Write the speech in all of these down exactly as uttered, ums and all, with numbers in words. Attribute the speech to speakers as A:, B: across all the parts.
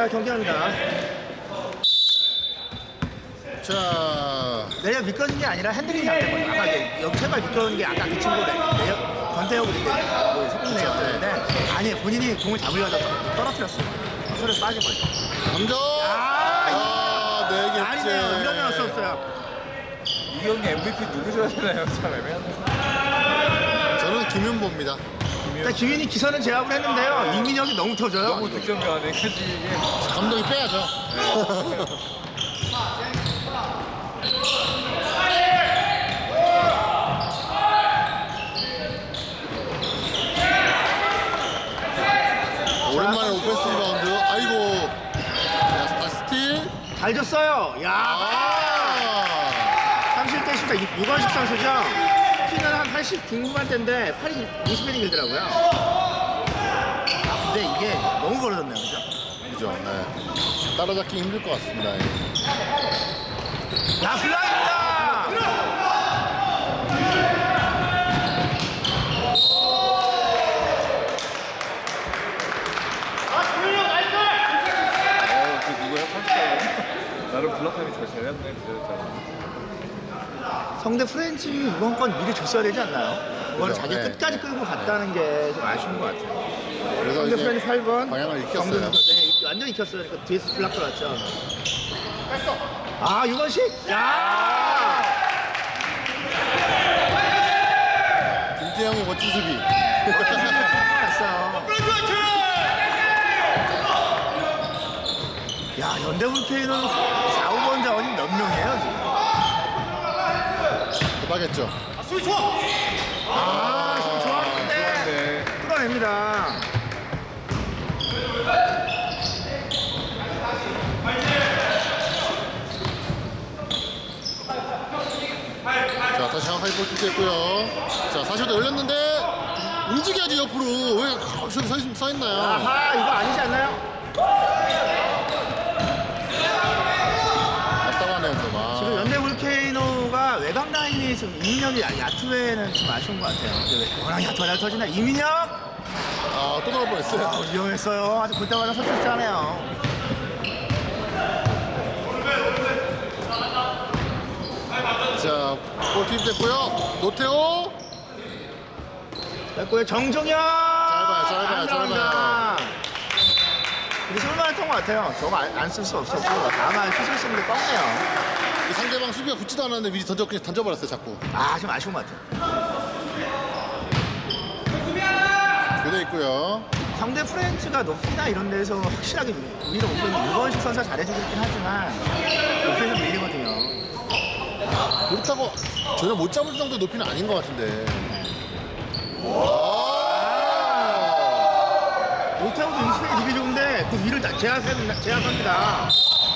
A: 자, 경기합니다.
B: 자,
A: 내가 미끄러진 게 아니라 핸들링이 잘된 거예요. 아까 이제 여기 제발 미끄러운 게 아까 그 친구 내역 권태혁 그 석궁 내였는데 아니 본인이 공을 잡으려다 떨어뜨렸어요. 소리에서 빠진 거죠.
B: 감정.
A: 아,
B: 아, 네 개째.
A: 아니네요. 이러면 어수 없어요.
C: 이 경기 엠브이피 누구 줘야 되나요? 참 애매하네.
B: 저는 김윤보입니다.
A: 일단 김윤이 기선은 제압을 했는데요. 이민혁이 너무 터져요.
C: 너무 득점가네. 그지 이게.
B: 감독이 빼야죠. 오랜만에 오펜스 리바운드. 아이고. 자, 다시 스틸.
A: 잘 줬어요. 야,
B: 아.
A: 삼십 대 십사 유건식 선수죠. 키는 한 팔십 중후반대인데 팔이 이십 인이 길더라고요. 아, 근데 이게 너무 벌어졌네요, 그죠?
B: 그죠. 네. 따라잡기 힘들 것 같습니다. 예.
A: 야, 블라인드다!
C: 어, 그 누구야? 팔십사. 나름 블락타임이 잘 잘했네. 기다렸잖아.
A: 성대 프렌치 이번 건 미리 줬어야 되지 않나요? 이걸
B: 그죠,
A: 자기
B: 네.
A: 끝까지 끌고 갔다는 게 좀 아쉬운 것 같아요.
B: 그래서
A: 성대
B: 이제
A: 프렌치 팔 번.
B: 방향을 익혔어요.
A: 정근 선수, 네, 완전 익혔어요. 그러니까 뒤에서 블락 들어왔죠. 아, 유건식! 야!
B: 김재영의 멋진 수비.
A: 했어요. 야, 현대볼케이노는 사, 오 번 자원이 몇 명이에요, 지금?
B: 대박했죠.
A: 아, 지금 좋았는데
C: 네.
A: 뚫어냅니다.
B: 자, 다시 한 하이볼 투수했고요. 자, 사실 열렸는데 움직여야지 옆으로. 왜 가만히 서, 있, 서 있나요?
A: 아하, 이거 아니지 않나요?
B: 답답하네요, 좀. 아.
A: 지금 현대볼케이노가 외곽 라인이 좀 이민혁이 야투에는 좀 아쉬운 것 같아요. 근데 워낙 야투가 잘 터지나? 이민혁!
B: 아, 또 들어갈 뻔했어요.
A: 아, 위험했어요. 아주 볼 때마다 설득하네요.
B: 자, 볼팀 됐고요. 노태호.
A: 됐고요. 정종현!
B: 짧아요, 짧아요,
A: 안
B: 짧아요.
A: 나온다. 근데 쓸만 했던 것 같아요. 저거 안 쓸 수 없었고 다만 슛을 쓰는데 꺾네요.
B: 이 상대방 수비가 붙지도 않았는데 미리 던져, 그냥 던져버렸어요, 자꾸.
A: 아, 좀 아쉬운 것 같아요.
B: 교대 있고요.
A: 상대 프렌치가 높이나 이런 데서 확실하게 위로 오프는 유건식 선수가 잘해주고 있긴 하지만 높이에서 밀리거든요.
B: 그렇다고 전혀 못 잡을 정도 높이는 아닌 것 같은데.
A: 못하고도 인식이 되게 좋은데 그 위를 다 제압, 제압합니다.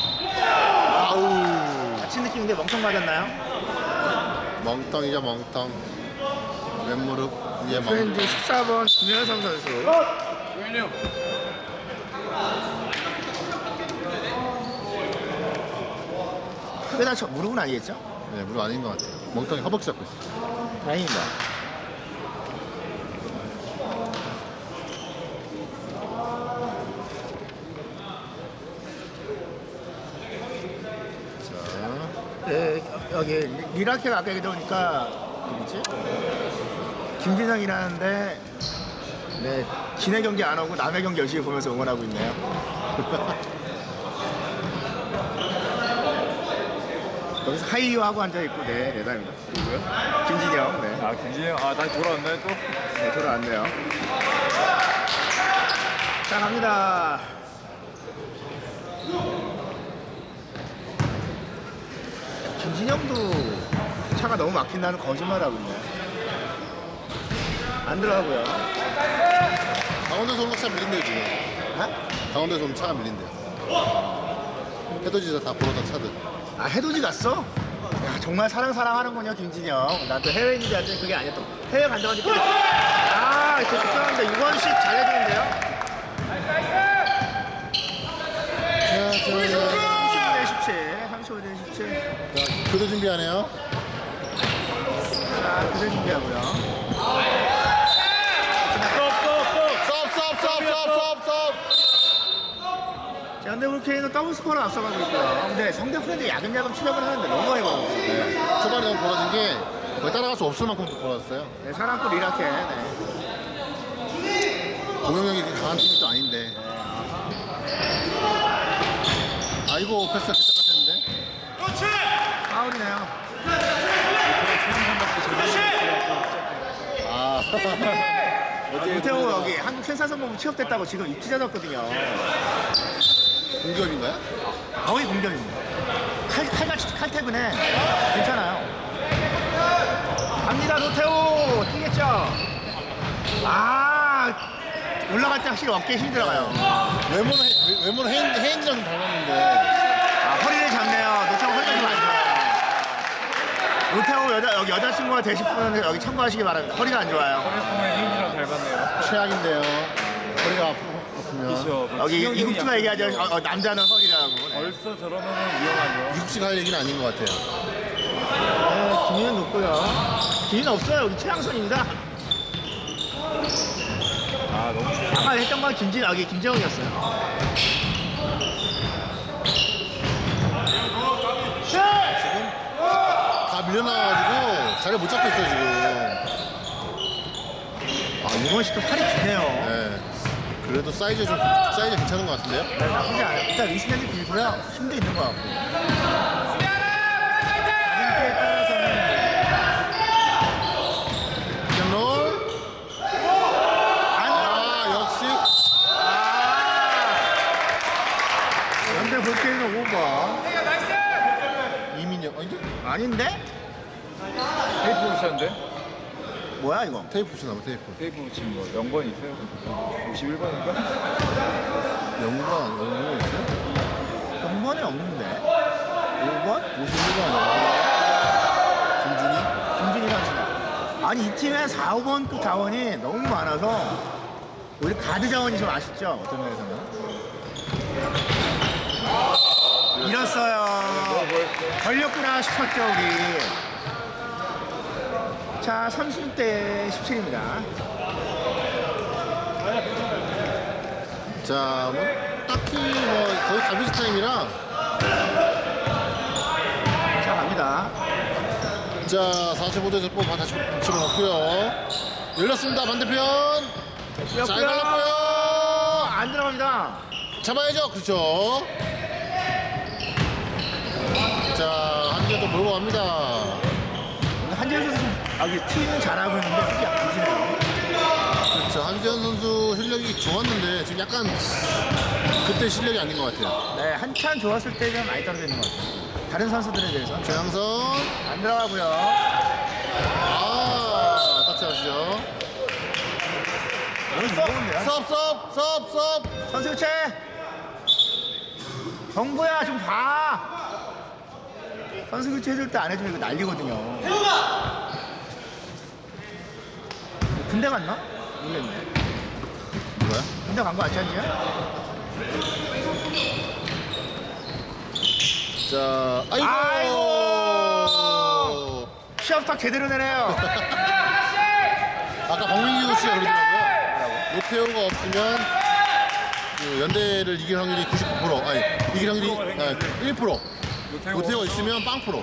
B: 아우.
A: 다친 느낌인데 멍청 맞았나요?
B: 멍텅이죠, 멍텅. 왼무릎 위에 멍텅.
A: 프렌치 십사 번 김현성 선수. 크게 다쳐 무릎은 아니겠죠?
B: 네, 무릎 아닌 것 같아요. 멍텅이 허벅지 잡고 있어요.
A: 다행입니다.
B: 자,
A: 네, 여기 리라케가 아까 얘기 들어오니까 누구지? 김진영이라는데 네, 지네 경기 안 오고 남의 경기 열심히 보면서 응원하고 있네요. 여기서 하이유 하고 앉아있고 네, 대단합니다.
C: 누구야?
A: 김진영, 네,
C: 아, 김진영. 아, 다시 돌아왔나요 또?
A: 네 돌아왔네요. 자, 갑니다. 김진영도 차가 너무 막힌다는 거짓말하고 있네요. 안 들어가고요.
B: 강원도에서 오는 차 밀린대요, 지금.
A: 아?
B: 강원도에서 오는 차가 밀린대요. 해돋이에서 다 보러던 차들.
A: 아, 해돋이 갔어? 야, 정말 사랑 사랑하는군요, 김진영. 나 또 해외 있는지 알았더니 그게 아니었던. 해외 간다고 하니까. 아, 이렇게 걱정하는데 유건식 잘해주는데요?
B: 자, 자,
A: 삼십오 대 십칠. 삼십오 대 십칠.
B: 자, 교대 준비하네요.
A: 자, 그대 준비하고요.
B: 썹, 썹, 썹, 썹, 썹, 썹, 썹.
A: 자, 근데 볼케이노 더블 스코어로 앞서가고 있고요. 근데 상대편도 야금야금 추격을 하는데 너무 많이 걸었어요.
B: 네. 초반에 너무 벌어진 게 거의 따라갈 수 없을 만큼 벌어졌어요.
A: 네, 사랑꾼 이라케. 네.
B: 공격력이 그렇게 강한 팀이 또 아닌데. 아이고, 패스가 개떡같았는데.
A: 파울이네요.
B: 아.
A: 유태호 여기 한국 생산성공부 취업됐다고 지금 입투자졌거든요.
B: 공격인가요?
A: 거의 공격입니다. 칼, 칼같이 칼퇴근해. 괜찮아요. 갑니다, 노태호. 뛰겠죠? 아, 올라갈 때 확실히 어깨에 힘 들어가요.
B: 외모는, 해- 외모는 헤인, 헤인지랑 좀 닮았는데.
A: 아, 허리를 잡네요. 노태호 허리가 좀 안 좋아요. 노태호 여자, 여기 여자친구가 되실 분은 여기 참고하시기 바랍니다. 허리가 안 좋아요.
C: 허리 보면 혜인이랑 닮았네요.
B: 최악인데요. 허리가 아프, 아프면.
C: 그렇죠.
A: 여기
C: 지영이는
A: 이국주가
C: 약간
A: 얘기하죠. 어, 어, 남자는 허리라고. 네.
C: 벌써 저러면 위험하죠.
B: 육식 할 얘기는 아닌 것 같아요.
A: 네, 기회는 높고요. 기회는 없어요. 여기 최양선입니다.
C: 아 너무 좋
A: 아까 했던 건 김진, 여기 김재원이었어요.
B: 지금 다 밀려나와가지고 자리 못 잡고 있어요, 지금.
A: 아, 이번 씨도 팔이 기네요.
B: 네. 그래도 사이즈 좀, 사이즈 괜찮은 것 같은데요?
A: 네, 나쁘지 않아요. 일단 위스년이 길고요. 힘도 있는 것 같고. 가림대에 따라서는
B: rol
A: 안
B: 아, 역시.
A: 아, 연대 볼케이노 오 번.
B: 이민혁. 아닌데?
A: 아닌데?
C: 테이프 붙였는데?
A: 뭐야 이거?
B: 테이프 붙여놔봐, 테이프.
C: 테이프 붙인 거 영 번 있어요? 오십일 번인가?
B: 영구가, 영구가 있어요?
A: 영 번이 없는데. 오 번?
B: 오십일 번 아니야? 김준이?
A: 김준희 선수네. 아니 이 팀에 사, 오 번급 자원이 너무 많아서 우리 가드 자원이 좀 아쉽죠? 어떤 면에서는. 잃었어요. 걸렸구나 싶었죠 우리. 자, 삼십 대 십칠입니다.
B: 자, 뭐, 딱히 뭐, 거의 가비지 타임이라.
A: 자, 갑니다.
B: 자, 사십오 대 번 다시 집어넣고요. 열렸습니다, 반대편. 잘 갈랐고요.
A: 안 들어갑니다.
B: 잡아야죠, 그렇죠. 자, 한개 또 몰고 갑니다.
A: 한재현 선수 좀, 아, 이게 팀은 잘하고 있는데 특히 약해지네요.
B: 그렇죠. 한지현 선수 실력이 좋았는데 지금 약간 그때 실력이 아닌 것 같아요.
A: 네, 한참 좋았을 때는 많이 떨어지는 것 같아요. 다른 선수들에 비해서.
B: 최양선.
A: 안 들어가고요.
B: 아, 터치하시죠.
A: 너무 무거운데요?
B: 섭, 섭, 섭, 섭.
A: 선수 교체! 정부야, 좀 봐! 선수 교체 해줄 때 안 해주면 이거 난리거든요. 군대 갔나? 모르겠네.
B: 뭐야?
A: 군대 간 거 같지 않냐?
B: 자, 아이고.
A: 아이고. 시합 딱 제대로 내네요.
B: 아까 박민규 씨가 그러더라고요. 노태우가 없으면 그 연대를 이길 확률이 구십구 퍼센트, 아니 이길 확률이 아, 일 퍼센트. 노태우가 있으면 빵 프로.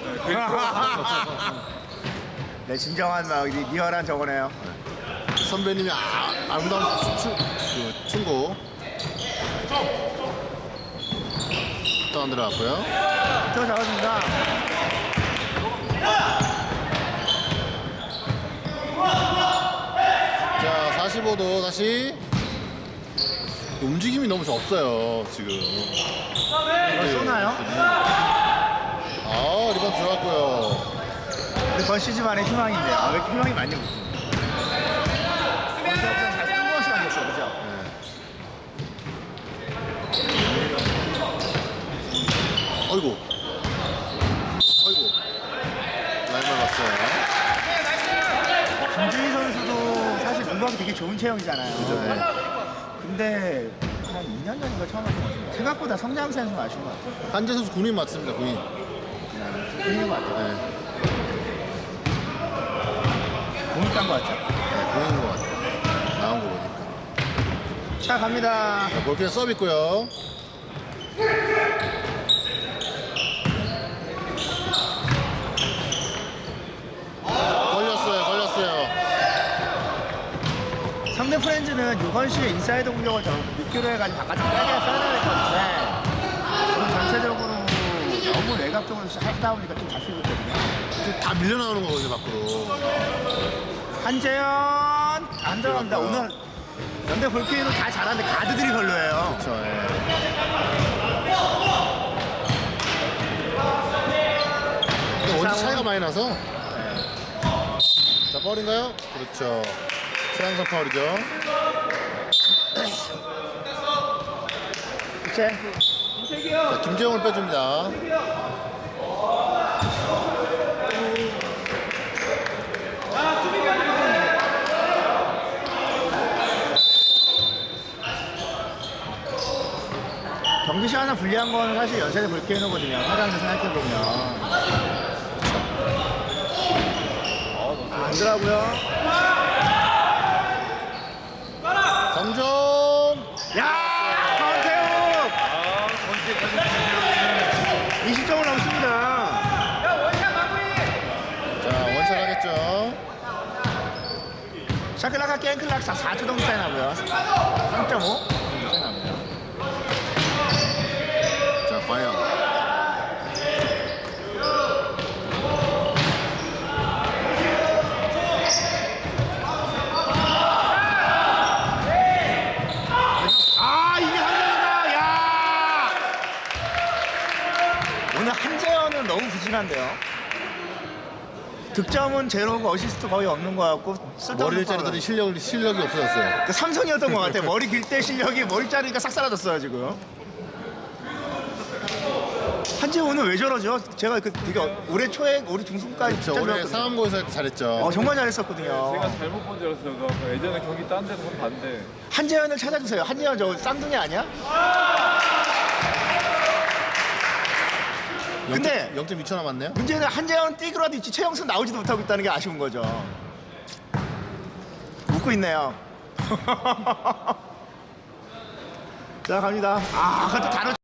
A: 네, 진정한 막 리- 리얼한 저거네요.
B: 선배님이 아, 아름다운 춤, 춤, 그 충고. 또 안 들어갔고요.
A: 저 잡았습니다.
B: 자, 사십오 도 다시 움직임이 너무 없어요 지금.
A: 이거 쏘나요?
B: 아, 리번 들어갔고요.
A: 이번 시즌만의 희망인데요. 아, 왜 이렇게 희망이 많이 없지? 먼저 잘 뜬금없이 생겼어요, 그죠?
B: 아이고, 아이고, 라인 밟았어요.
A: 김준희 선수도 사실 운동이 되게 좋은 체형이잖아요.
B: 그죠? 네.
A: 근데 한 이 년 전인가 처음 한것 같아요. 생각보다 성장세는 좀 아쉬운 것 같아요.
B: 한재 선수 군인 맞습니다, 군인.
A: 보이는 것 같아요.
B: 네,
A: 공익 간것 같죠?
B: 네, 군인인 것 같아요. 나온 거 보니까.
A: 자, 갑니다.
B: 자, 볼펜 서브 있고요.
A: 챌린지는 유건 씨의 인사이드 공격을 더 미끼로 해가지고 바깥에 빼게 써야 될 것 같은데 지금 전체적으로 너무 외곽적으로 하다 보니까 좀 잡히고 있거든요.
B: 지금 다 밀려나오는 거거든요, 밖으로.
A: 한재현 안 들어갑니다. 오늘 연대 볼케이노 다 잘하는데 가드들이 별로예요.
B: 그렇죠. 예. 근데 원체 차이가 많이 나서. 자, 파울인가요? 그렇죠. 최양선 파울이죠.
A: 이제
B: 자, 김재용을 빼줍니다.
A: 경기 시간에 불리한 건 사실 연세대 볼케이노거든요. 화장실 생각해보면. 안 들어가고요.
B: 성종!
A: 야! 강태욱!
C: 아, 언제까지
A: 이십 점을 넘습니다.
B: 자, 원샷 하겠죠.
A: 샤클라가 깽클락 사 초 정도 차이 나고요. 삼 점 오 정도 차이 납니다.
B: 자, 과연.
A: 아, 이게 한재현이다. 야! 오늘 한재현은 너무 부진한데요. 득점은 제로고 어시스트 거의 없는 것 같고
B: 머리를 자르더니 실력, 실력이 없어졌어요.
A: 그 삼성이었던 것 같아요. 머리 길 때 실력이 머리 자르니까 싹 사라졌어요 지금. 한재현 오늘 왜 저러죠? 제가 그 되게 올해 초에 우리 중순까지
B: 저 올해 상암고에서 잘했죠.
A: 어, 정말 잘했었거든요.
C: 제가 잘못 본 줄 알았어요. 저 예전에 경기 딴 데서 한번 봤는데
A: 한재현을 찾아주세요. 한재현 저 쌍둥이 아니야? 근데
B: 영 점 이 초 남았네요.
A: 문제는 한재현 뛰기라도 있지 최영선 나오지도 못하고 있다는 게 아쉬운 거죠. 웃고 있네요. 자 갑니다. 아 그것도 단어